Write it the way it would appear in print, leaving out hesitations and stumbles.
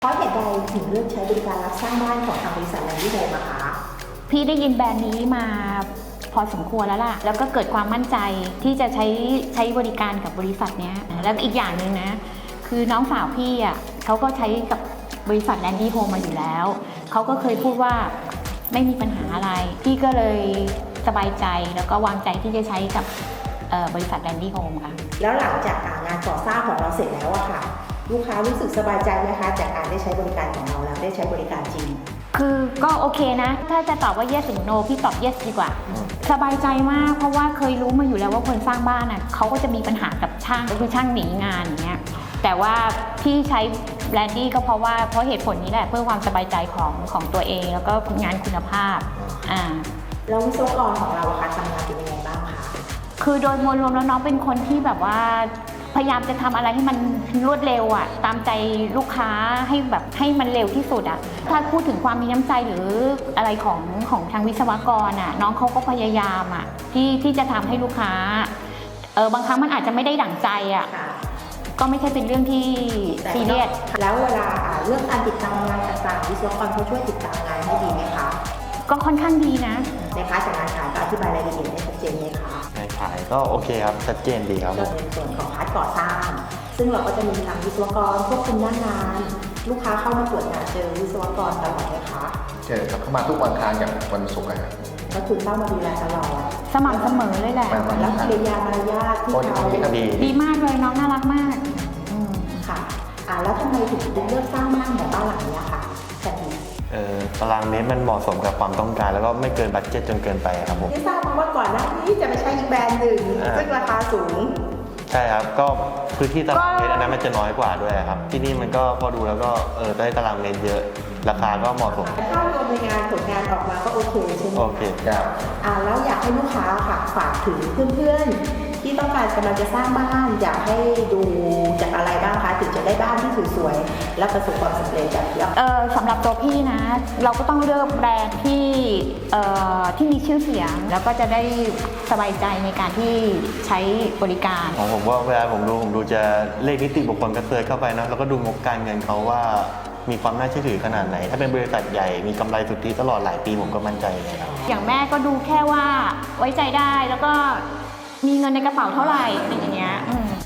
เพราะเหตุใดถึงเลือกใช้บริการรับสร้างบ้านของทางบริษัทแลนดี้โฮมอะคะพี่ได้ยินแบรนด์นี้มาพอสมควรแล้วล่ะแล้วก็เกิดความมั่นใจที่จะใช้บริการกับบริษัทนี้แล้วอีกอย่างหนึ่งนะคือน้องสาวพี่อ่ะเขาก็ใช้กับบริษัทแลนดี้โฮมมาอยู่แล้วเขาก็เคยพูดว่าไม่มีปัญหาอะไรพี่ก็เลยสบายใจแล้วก็วางใจที่จะใช้กับบริษัทแลนดี้โฮมค่ะแล้วหลังจากงานก่อสร้างของเราเสร็จแล้วอะค่ะลูกค้ารู้สึกสบายใจไหมคะจากการได้ใช้บริการของเราแล้วได้ใช้บริการจริงคือก็โอเคนะถ้าจะตอบว่า yes หรือ no พี่ตอบ yes ดีกว่าสบายใจมากเพราะว่าเคยรู้มาอยู่แล้วว่าคนสร้างบ้านน่ะเขาก็จะมีปัญหากับช่างก็คือช่างหนีงานอย่างเงี้ยแต่ว่าพี่ใช้แบรนดี้ก็เพราะเหตุผลนี้แหละเพื่อความสบายใจของตัวเองแล้วก็งานคุณภาพแล้ววิศวกรของเราอะคะทำงานเป็นยังไงบ้างคะคือโดยมวลรวมแล้วน้องเป็นคนที่แบบว่าพยายามจะทำอะไรให้มันรวดเร็วอ่ะตามใจลูกค้าให้มันเร็วที่สุดอ่ะถ้าพูดถึงความมีน้ำใจหรืออะไรของทางวิศวกรอ่ะน้องเขาก็พยายามอ่ะที่จะทำให้ลูกค้าบางครั้งมันอาจจะไม่ได้ดั่งใจอ่ะก็ไม่ใช่เป็นเรื่องที่ซีเรียสแล้วเวลาเรื่องการติดตามงานต่างๆวิศวกรเขาช่วยติดตามงานให้ดีไหมคะก็ค่อนข้างดีนะในพาร์ทจากงานขายก็อธิบายรายละเอียดได้ชัดเจนไหมคะงานขายก็โอเคครับชัดเจนดีครับในส่วนของพาร์ทก่อสร้างซึ่งเราก็จะมีทางวิศวกรควบคุมหน้างานลูกค้าเข้ามาตรวจงานเจอวิศวกรตลอดไหมคะเจอครับเข้ามาทุกวันอังคารกับวันศุกร์ครับก็คือเข้ามาดูแลตลอดสม่ำเสมอเลยแหละแล้วกิริยามารยาทที่เขาดีมากเลยน้องน่ารักมากค่ะแล้วทำไมถึงเลือกสร้างบ้านแบบบ้านหลังนี้ค่ะแบบนี้ตารางเมตรมันเหมาะสมกับความต้องการแล้วก็ไม่เกินบัดเจ็ตจนเกินไปครับผมที่ทราบมาว่าก่อนหน้านี้จะไปใช้อีกแบรนด์หนึ่งซึ่งราคาสูงใช่ครับก็พื้นที่ตารางเมตรอันนั้นมันจะน้อยกว่าด้วยครับที่นี่มันก็พอดูแล้วก็ได้ตารางเมตรเยอะราคาก็เหมาะสมถ้ารวมในงานผลงานออกมาก็โอเคใช่ไหมโอเคครับแล้วอยากให้ลูกค้าค่ะฝากถึงเพื่อนๆที่ต้องการกำลังจะสร้างบ้านอยากให้ดูจากอะไรบ้างคะถึงจะได้บ้านที่สวยๆและประสบความสำเร็จแบบที่สำหรับตัวพี่นะเราก็ต้องเลือกแบรนด์ที่มีชื่อเสียงแล้วก็จะได้สบายใจในการที่ใช้บริการของผมว่าเวลาผมดูจะเลขนิติบุคคลก็เซิร์ชเข้าไปนะแล้วก็ดูงบการเงินเขาว่ามีความน่าเชื่อถือขนาดไหนถ้าเป็นบริษัทใหญ่มีกำไรสุทธิตลอดหลายปีผมก็มั่นใจเลยครับอย่างแม่ก็ดูแค่ว่าไว้ใจได้แล้วก็มีเงินในกระเป๋าเท่าไหร่อะไรอย่างเงี้ย